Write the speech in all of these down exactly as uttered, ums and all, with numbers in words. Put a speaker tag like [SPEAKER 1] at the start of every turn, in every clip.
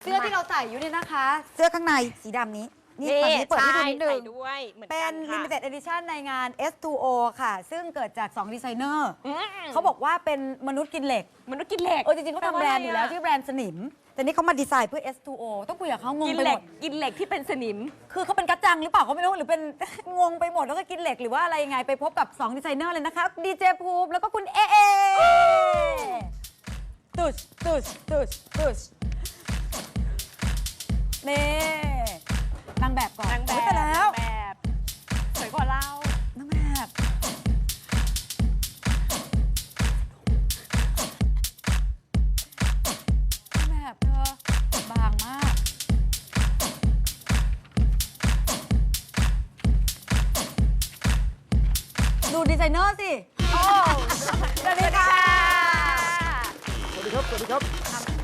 [SPEAKER 1] เสื้อที่เราใส่อยู่เนี่ยนะคะ เสื้อข้างในสีดำนี้นี่ตอนนี้เปิดให้ดูนิดนึงเป็น limited edition ในงาน เอส ทู โอ ค่ะ ซึ่งเกิดจากสองดีไซเนอร์เขาบอกว่าเป็นมนุษย์กินเหล็ก
[SPEAKER 2] มนุษย์กินเหล็ก
[SPEAKER 1] เออจริงๆเขาทำแบรนด์อยู่แล้วที่แบรนด์สนิมแต่นี่เขามาดีไซน์เพื่อ เอส ทู โอ ต้องคุยกับเขางงไปหมด
[SPEAKER 2] กินเหล็กที่เป็นสนิม
[SPEAKER 1] คือเขาเป็นกัจจังหรือเปล่าเขาไม่รู้หรือเป็น งงไปหมดแล้วก็กินเหล็กหรือว่าอะไรยังไงไปพบกับสองดีไซเนอร์เลยนะคะดีเจภูมิแล้วก็คุณเอเอตุชตุชตุชตุชนี่นางแบบก่อน
[SPEAKER 2] นางแบบ
[SPEAKER 1] ไปแล้ว
[SPEAKER 2] แบบสวยกว่าเรา
[SPEAKER 1] นางแบบนางแบบเธอบางมากดูดีไซเนอร์สิโอ้สวัสดีค่ะ
[SPEAKER 3] สวัสดีครับ สวัสดีครับ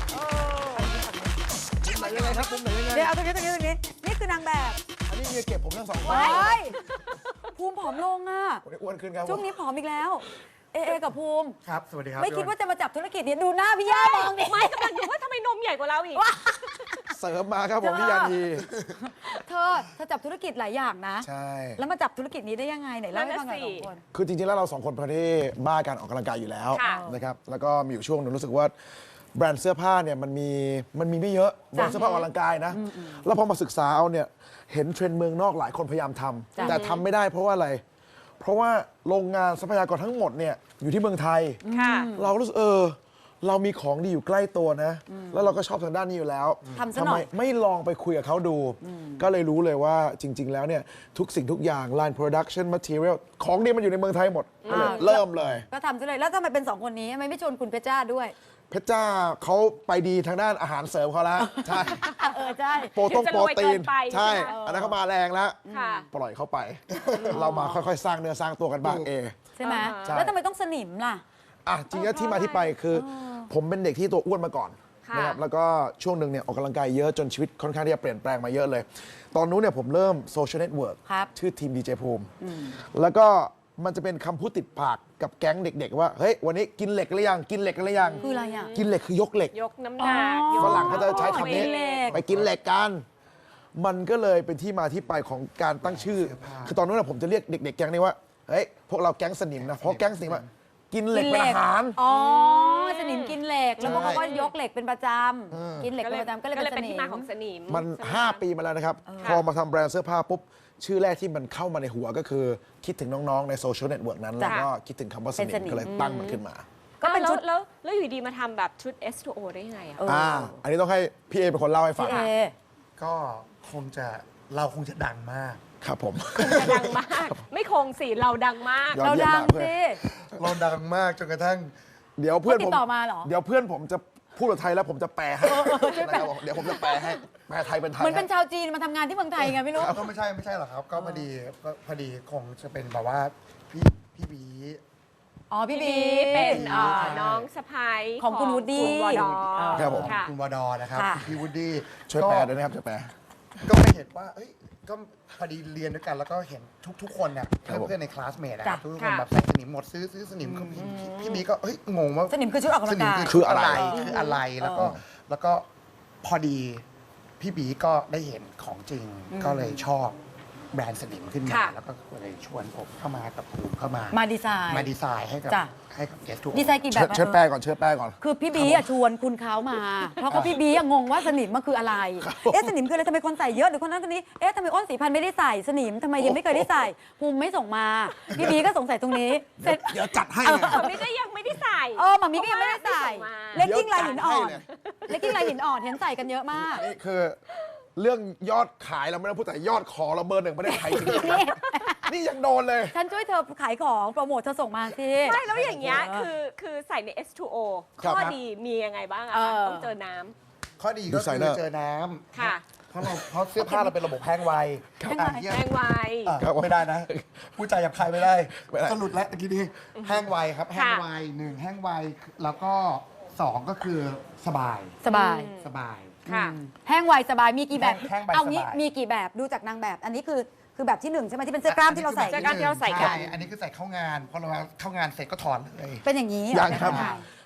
[SPEAKER 3] มุมไหนยังไงครับมุมไหนยังไง
[SPEAKER 1] เดี๋ยวเอาตรงนี้ตรงนี้ตรงนี้นี่คือนางแบบ
[SPEAKER 3] อันนี้เมียเก็บผมทั้งสองคน
[SPEAKER 1] ภูมิผอมลงอ่ะ
[SPEAKER 3] ผมได้อ้วนขึ้นครับ
[SPEAKER 1] ช่วงนี้ผอมอีกแล้ว เอเอกับภูมิ
[SPEAKER 3] ครับ สวัสดีครับ
[SPEAKER 1] ไม่คิดว่าจะมาจับธุรกิจนี้ดูหน้าพี่ย่ามองดิ
[SPEAKER 2] ไม่กำลังดูว่าทำไมนมใหญ่กว่าเราอีก
[SPEAKER 3] เสริมมาครับผมพี่ยันที
[SPEAKER 1] เธอเธอจับธุรกิจหลายอย่างนะ
[SPEAKER 3] ใช่
[SPEAKER 1] แล้วมาจับธุรกิจนี้ได้ยังไงไหนเล่าให้ฟังหน่อยสองคน
[SPEAKER 3] คือจริงๆแล้วเราสองคนเป็นที่บ้าการออกกำลังกายอยู่แล้วนะครับแล้วก็มีอยู่ช่วงหนึงรู้สึกว่าแบรนด์เสื้อผ้าเนี่ยมันมีมันมีไม่เยอะแบรนด์เสื้อผ้าออกกำลังกายนะแล้วพอมาศึกษาเอาเนี่ยเห็นเทรนด์เมืองนอกหลายคนพยายามทำแต่ทำไม่ได้เพราะว่าอะไรเพราะว่าโรงงานทรัพยากรทั้งหมดเนี่ยอยู่ที่เมืองไทยเรารู้สึกเออเรามีของดีอยู่ใกล้ตัวนะแล้วเราก็ชอบทางด้านนี้อยู่แล้วทำไมไม่ลองไปคุยกับเขาดูก็เลยรู้เลยว่าจริงๆแล้วเนี่ยทุกสิ่งทุกอย่าง line production material ของดีมันอยู่ในเมืองไทยหมดก็เลยเริ่มเลย
[SPEAKER 1] ก็ทำซะเลยแล้วทำไมเป็นสองคนนี้ทำไมไม่ชวนคุณเพชรจ้าด้วย
[SPEAKER 3] เพชรจ้าเขาไปดีทางด้านอาหารเสริมเขาแล้วใช่
[SPEAKER 1] เออใช่
[SPEAKER 3] โปรตงโปรตีนใช่อันนั้นเขามาแรงแล้วปล่อยเขาไป เรามาค่อยๆสร้างเนื้อสร้างตัวกันบ้างเอ
[SPEAKER 1] ใช่ไหมแล้วทำไมต้องสนิมล่ะ
[SPEAKER 3] อ่ะจริงๆที่มาที่ไปคือผมเป็นเด็กที่ตัวอ้วนมาก่อนนะครับแล้วก็ช่วงหนึ่งเนี่ยออกกำลังกายเยอะจนชีวิตค่อนข้างที่จะเปลี่ยนแปลงมาเยอะเลย ตอนนู้นเนี่ยผมเริ่มโซเชียลเน็ตเวิร์กชื่อทีมดีเจภูมิแล้วก็มันจะเป็นคำพูดติดปากกับแก๊งเด็กๆว่าเฮ้ยวันนี้กินเหล็กหรือยังกินเหล็กหรือยัง
[SPEAKER 1] คืออะไรอ่ะ
[SPEAKER 3] กินเหล็กคือยกเหล็ก
[SPEAKER 2] ยกน้ำหนัก
[SPEAKER 3] ฝรั่งเขาจะใช้คำนี้ไปกินเหล็กกันมันก็เลยเป็นที่มาที่ไปของการตั้งชื่อคือตอนนั้นผมจะเรียกเด็กๆแก๊งนี้ว่าเฮ้ยพวกเราแก๊งสนิมนะเพราะแก๊งสนิมอะกินเหล็กเป็นอาหาร
[SPEAKER 1] อ๋อสนิมกินเหล็กแล้วพวกเขาก็ยกเหล็กเป็นประจำกินเหล็กเป็นประจำก็เลยเป็น
[SPEAKER 2] ที่มาของสนิม
[SPEAKER 3] มันห้าปีมาแล้วนะครับพอมาทำแบรนด์เสื้อผ้าปุ๊บชื่อแรกที่มันเข้ามาในหัวก็คือคิดถึงน้องๆในโซเชียลเน็ตเวิร์กนั้นแล้วก็คิดถึงคำว่าสนิมก็เลยตั้งมันขึ้นมา
[SPEAKER 2] ก็เป็นชุดแล้วแล้วอยู่ดีมาทำแบบชุด เอส ทู โอ ได้ยังไงอ่ะ
[SPEAKER 3] อ่าอันนี้ต้องให้พี่เอเป็นคนเล่าให้ฟัง
[SPEAKER 4] ก็คงจะเราคงจะดังมาก
[SPEAKER 3] ครับผม
[SPEAKER 2] คงจะดังมากไม่คงสิเราดังมาก
[SPEAKER 1] เราดังสิ
[SPEAKER 4] เราดังมากจนกระทั่ง
[SPEAKER 3] เดี๋ยวเพื่อนผม
[SPEAKER 1] ต่อมาเหรอ
[SPEAKER 3] เดี๋ยวเพื่อนผมจะพูดภาษาไทยแล้วผมจะแปลให้เดี๋ยวผมจะแปลให้แปลไทยเป็นไทย
[SPEAKER 1] เหมือนเป็นชาวจีนมาทำงานที่เมืองไทยไงไม่รู้
[SPEAKER 4] ก็ไม่ใช่ไม่ใช่หรอกครับก็พอดีก็พอดีคงจะเป็นแบบว่าพี่พี่บี
[SPEAKER 1] อ๋อพี่บี
[SPEAKER 2] เป็นน้องสะพ้าย
[SPEAKER 1] ของคุณวูดดี้
[SPEAKER 2] วอดอ
[SPEAKER 3] ครับผม
[SPEAKER 4] คุณวอดอนะครับพี่วูดดี้
[SPEAKER 3] ช่วยแปลด้วยนะครับช่วยแปล
[SPEAKER 4] ก็ไม่เห็นว่าเอ้ยก็พอดีเรียนด้วยกันแล้วก็เห็นทุกๆคนเนี่ยเพื่อนๆในคลาสเมทนะครับทุกคนแบบใส่สนิมหมดซื้อซื้อสนิมพี่บีก็เฮ้ยงงว่า
[SPEAKER 1] สนิมคือชุดออกกำลังกาย
[SPEAKER 3] คืออะไร
[SPEAKER 4] คืออะไรแล้วก็แล้วก็พอดีพี่บีก็ได้เห็นของจริงก็เลยชอบแบรนด์สนิมขึ้นมาแล้วก็เลยชวนผมเข้ามากับภูมิเข้ามา
[SPEAKER 1] มาดีไซน์
[SPEAKER 4] มาดีไซน์ให้กับให้กับเกสทุก
[SPEAKER 1] ดีไซน์กี่แบบ
[SPEAKER 3] เชิญแปลก่อนเชิญแปลก่อน
[SPEAKER 1] คือพี่บีชวนคุณเขามาเพราะเขาพี่บีงงว่าสนิมมันคืออะไรเอ๊ะสนิมคืออะไรทำไมคนใส่เยอะหรือคนนั้นคนนี้เอ๊ะทำไมอ้นสีพันไม่ได้ใส่สนิมทำไมยังไม่เคยได้ใส่ภูมิไม่ส่งมาพี่บีก็สงสัยตรงนี้
[SPEAKER 3] เสร็จเดี๋ยวจัดให้
[SPEAKER 2] มามิก็ยังไม่ได้ใส่
[SPEAKER 1] เออมามิก็ยังไม่ได้ใส่เล็กกิ้งลายหินอ่อนเล็กกิ้งลายหินอ่อนเห็นใส่กันเยอะมาก
[SPEAKER 3] นี่คือเรื่องยอดขายเราไม่ต้องพูดแต่ยอดขอเราเบอร์หนึ่งประเทศไทยจริงๆนี่ยังโดนเลย
[SPEAKER 1] ฉันช่วยเธอขายของโปรโมทเธอส่งมาสิ
[SPEAKER 2] ไม่แล้วอย่างเงี้ยคือคือใส่ใน เอส ทู โอ ข้อดีมียังไงบ้างอะต้องเจอน้ำ
[SPEAKER 4] ข้อดีก็คือเจอน้ำ
[SPEAKER 2] ค่ะ
[SPEAKER 4] เพราะเราเพราะเสื้อผ้าเราเป็นระบบแห้งไว
[SPEAKER 2] แห้งไว
[SPEAKER 4] ไม่ได้นะผู้ใจหยาบคายไม่ได้สรุปแล้วตะกี้นี้แห้งไวครับแห้งไวหนึ่งแห้งไวแล้วก็สองก็คือสบาย
[SPEAKER 1] สบาย
[SPEAKER 4] สบาย
[SPEAKER 1] แห้งไวสบายมีกี่แบบเอางี้มีกี่แบบดูจากนางแบบอันนี้คือคือแบบที่หนึ่งใช่ไหมที่เป็นเสื้อกล้ามที่เราใส่
[SPEAKER 2] เสื้อกล้ามที่เราใส่กัน
[SPEAKER 4] อันนี้คือใส่เข้างานพอเราเข้างานเสร็จก็ถอดเลย
[SPEAKER 1] เป็นอย่างนี้
[SPEAKER 3] ยังครับ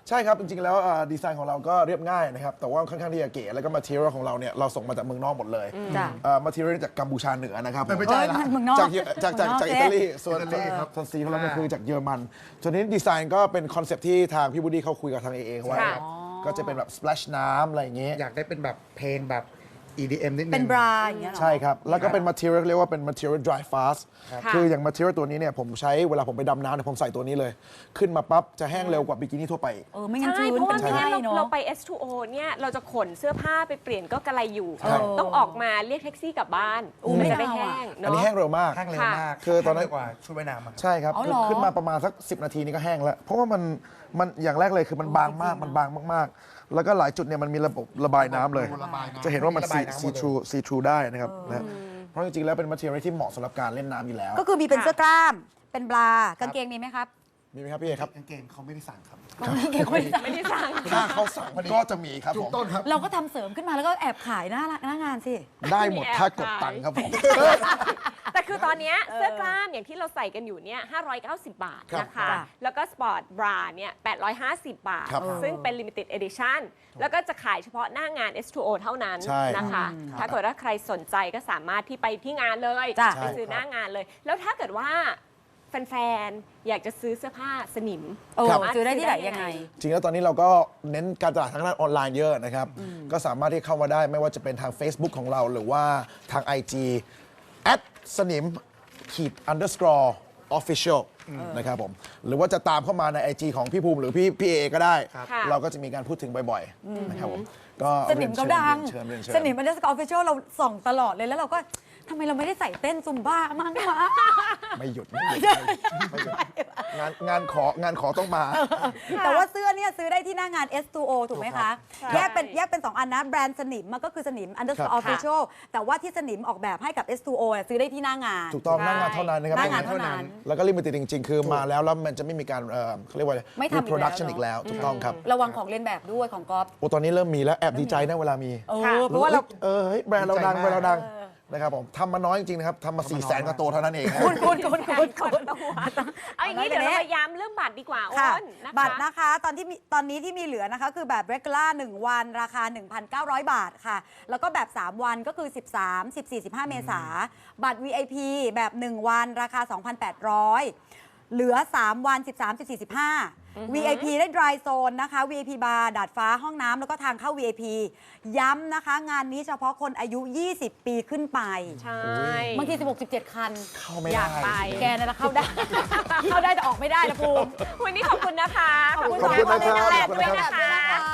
[SPEAKER 3] ใช่ครับ จริงๆ แล้วอ่าดีไซน์ของเราก็เรียบง่ายนะครับ แต่ว่าค่อนข้างที่จะเก๋ แล้วก็มาเทียลของเราเนี่ยเราส่งมาจากเมืองนอกหมดเลย
[SPEAKER 1] จ้ะ
[SPEAKER 3] มาเทียลจากกัมพูชาเหนือนะครับ
[SPEAKER 4] ไม่
[SPEAKER 3] ผม
[SPEAKER 4] ใช่
[SPEAKER 1] เอ้ย
[SPEAKER 4] ละ
[SPEAKER 1] มันเมืองนอก
[SPEAKER 3] จากเยจากจากจากอิตาลี ส่วน
[SPEAKER 4] อิตาลีครับ
[SPEAKER 3] ส่วนสีของเราเนี่ยคือจากเยอรมันส่วนนี้ดีไซน์ก็เป็นคอนเซปต์ที่ทางพี่บูดี้เขาคุยกับทางเอเอไว้
[SPEAKER 2] ค่ะ
[SPEAKER 3] ก็จะเป็นแบบ splash น้ำอะไรอย่างเงี้ย
[SPEAKER 4] อยากได้เป็นแบบเพลงแบบ อี ดี เอ็ม นิดนึง
[SPEAKER 1] เป็นบราอย่างเงี้ยเหรอ
[SPEAKER 3] ใช่ครับ แล้วก็เป็น material เรียกว่าเป็น material dry fast
[SPEAKER 2] ค่ะ
[SPEAKER 3] คืออย่าง material ตัวนี้เนี่ยผมใช้เวลาผมไปดำน้ำเนี่ยผมใส่ตัวนี้เลย ขึ้นมาปั๊บจะแห้งเร็วกว่าบิกินี่ทั่วไป
[SPEAKER 1] เออไม่งั้น
[SPEAKER 2] ใช่
[SPEAKER 1] ชื้น
[SPEAKER 2] เพราะว่า
[SPEAKER 1] เป็น
[SPEAKER 2] ไม่
[SPEAKER 1] ไข้
[SPEAKER 2] งั้นเรา
[SPEAKER 1] เนาะ
[SPEAKER 2] เราไป เอส ทู โอ เนี่ยเราจะขนเสื้อผ้าไปเปลี่ยนก็กระไรอยู่
[SPEAKER 3] ใช่
[SPEAKER 2] ต้องออกมาเรียกแท็กซี่กลับบ้าน
[SPEAKER 1] อู้
[SPEAKER 2] มัน
[SPEAKER 1] ไม่
[SPEAKER 2] จะได้
[SPEAKER 1] เอา
[SPEAKER 2] แห้
[SPEAKER 1] อะ
[SPEAKER 2] ง
[SPEAKER 3] อัน
[SPEAKER 2] เนาะ
[SPEAKER 3] นี้แห้งเร็วมาก
[SPEAKER 4] แห้งเร็วมาก
[SPEAKER 3] คือตอนนั้น
[SPEAKER 4] แห้งเร็วกว่าชุดว่ายน้ำอะครับ
[SPEAKER 3] ใช่ครับ
[SPEAKER 1] อ๋อ
[SPEAKER 3] คือ
[SPEAKER 1] เหรอ
[SPEAKER 3] ขึ้นมาประมาณสักสิบนาทีนี่ก็แห้งแล้ว เพราะว่ามันมันอย่างแรกเลยคือมันบางมากมันบางมากๆ แล้วก็หลายจุดเนี่ยมันมีระบบระบายน้ำเลย
[SPEAKER 4] ระบายน้ำ
[SPEAKER 3] จะเห็นว่ามัน
[SPEAKER 4] ระบายน้ำหม
[SPEAKER 3] ซี
[SPEAKER 4] ดเลย
[SPEAKER 3] ทรูซีทรูได้นะครับนะเพราะจริงๆแล้วเป็น material ที่เหมาะสำหรับการเล่นน้ำอยู่แล้ว
[SPEAKER 1] ก็คือมีเป็นเสื้อกล้าม เป็นบรากางเกงมีไหมครับ
[SPEAKER 3] มีไหมครับพี่เอครับ
[SPEAKER 4] กางเกงเขาไม่ได้สั่งครับ
[SPEAKER 1] กางเกงไม่ได้
[SPEAKER 2] ไม่ได้สั่ง
[SPEAKER 3] ถ้าเขาสั่งก็จะมีครับผม
[SPEAKER 4] ต้นครับ
[SPEAKER 1] เราก็ทำเสริมขึ้นมาแล้วก็แอบขายหน้าร้านหน้างานสิ
[SPEAKER 3] ได้หมด
[SPEAKER 2] มีแอบ
[SPEAKER 3] ถ้ากด
[SPEAKER 2] ขาย
[SPEAKER 3] ตังค์ครับผม
[SPEAKER 2] แต่คือตอนเนี้ยเสื้อกล้ามอย่างที่เราใส่กันอยู่เนี่ยห้าร้อยเก้าสิบบาท
[SPEAKER 3] ครับ
[SPEAKER 2] นะคะ
[SPEAKER 1] จ้ะ
[SPEAKER 2] แล้วก็สปอร์ตบราเนี่ยแปดร้อยห้าสิบบาท
[SPEAKER 3] ครับ
[SPEAKER 2] ซึ่งเป็น limited edition แล้วก็จะขายเฉพาะหน้างาน เอส ทู โอ เท่านั้น
[SPEAKER 3] ใช่
[SPEAKER 2] นะคะ ถ้าเกิดว่าใครสนใจก็สามารถที่ไปที่งานเลย
[SPEAKER 1] จ้ะ
[SPEAKER 2] ไปซื้อหน้างานเลย แล้วถ้าเก เกิดว่าแฟนๆ อยากจะซื้อเสื้อผ้าสนิม
[SPEAKER 1] เออ
[SPEAKER 2] สามารถ
[SPEAKER 1] ซื้อได้ที่ไหนยังไง
[SPEAKER 3] จริงแล้วตอนนี้เราก็เน้นการตลาดทางด้านออนไลน์เยอะนะครับ ก็สามารถที่เข้ามาได้ไม่ว่าจะเป็นทาง Facebook ของเราหรือว่าทาง ไอ จี แอดสนิมขีด underscore official นะครับผม หรือว่าจะตามเข้ามาใน ไอ จี ของพี่ภูมิหรือพี่พี่เอก็ได้
[SPEAKER 2] ค่ะ
[SPEAKER 3] เราก็จะมีการพูดถึงบ่อยๆนะครับผมก็
[SPEAKER 1] สนิมเขาดัง
[SPEAKER 3] เรียนเชิญเรียนเชิญ
[SPEAKER 1] สนิมอันเดอร์สกอร์ออฟฟิเชียลเราส่องตลอดเลยแล้วเราก็ทำไมเราไม่ได้ใส่เต้นซุมบ้ามั่งวะ
[SPEAKER 3] ไม่หยุดไม่หยุดไม่หยุดงานงานของานขอต้องมา
[SPEAKER 1] แต่ว่าเสื้อเนี่ยซื้อได้ที่หน้างาน เอส ทู โอ ถูกไหมคะ
[SPEAKER 2] ใช่
[SPEAKER 1] แยกเป็นแยกเป็น สอง อันนะ แบรนด์สนิมมันก็คือสนิม
[SPEAKER 3] ครั
[SPEAKER 1] underscore
[SPEAKER 3] บ
[SPEAKER 1] official แต่ว่าที่สนิมออกแบบให้กับ เอส ทู โอ เนี่ยซื้อได้ที่หน้างาน
[SPEAKER 3] ถูกต้องหน้างานเท่านั้นนะครับ
[SPEAKER 1] หน้างานเท่านั้น
[SPEAKER 3] แล้วก็ลิมิเต็ดจริง ๆ คือมาแล้วแล้วมันจะไม่มีการเอ่อเขาเรียกว่าอะไร
[SPEAKER 1] ไม่ทำอีกแล้ว
[SPEAKER 3] reproduction
[SPEAKER 1] เนอะ
[SPEAKER 3] อีกแล้วถูกต้องครับ
[SPEAKER 1] ระวังของเลียนแบบด้วยของก๊อฟ
[SPEAKER 3] โอ้ตอนนี้เริ่มมีแล้วแอบดีใจนะเวลามี
[SPEAKER 1] เออเพราะว่าเรา
[SPEAKER 3] เออเฮ้ยแบรนด์เราดัง
[SPEAKER 4] ดีใจมาก
[SPEAKER 3] แบรนด์เราดังนะครับผมทำมาน้อยจริงๆนะครับทำมา4ี่แสนกว่าตัวเท่านั้นเองนะ
[SPEAKER 1] คุณคุณคุณคุณคุณ
[SPEAKER 2] เอาอย่างนี้เดี๋ยวเรามาย้ำเรื่องบัตรดีกว่าอ้
[SPEAKER 1] ค่ะ
[SPEAKER 2] นนะคะ
[SPEAKER 1] บัตรนะคะตอนที่มีตอนนี้ที่มีเหลือนะคะ คือแบบ regular หนึ่งวันราคา หนึ่งพันเก้าร้อย บาทค่ะ แล้วก็แบบ สาม วันก็คือ สิบสาม สิบสี่ สิบห้า เมษาบัตร วี ไอ พี แบบ หนึ่ง วันราคา สองพันแปดร้อย เหลือ สาม วัน สิบสาม สิบสี่ สิบห้า วี ไอ พี ได้ dry zone นะคะ วี ไอ พี bar ดาดฟ้าห้องน้ำแล้วก็ทางเข้า วี ไอ พี ย้ำนะคะ งานนี้เฉพาะคนอายุ ยี่สิบ ปีขึ้นไป
[SPEAKER 2] ใช่
[SPEAKER 1] บางที สิบหก สิบเจ็ด คัน
[SPEAKER 3] เข้าไม่
[SPEAKER 2] อยาก
[SPEAKER 3] ได้
[SPEAKER 2] ไป
[SPEAKER 1] แกนั่นแหละเข้าได้ เข้าได้แต่ออกไม่ได้นะภูมิ
[SPEAKER 2] วันนี้ขอบคุณนะคะ
[SPEAKER 1] ขอบคุณ
[SPEAKER 3] ขอบคุณนะครับ
[SPEAKER 2] ขอบคุณ
[SPEAKER 3] ขอบคุณ
[SPEAKER 2] แฟนๆด้วย
[SPEAKER 3] นะครับ
[SPEAKER 2] นะคะ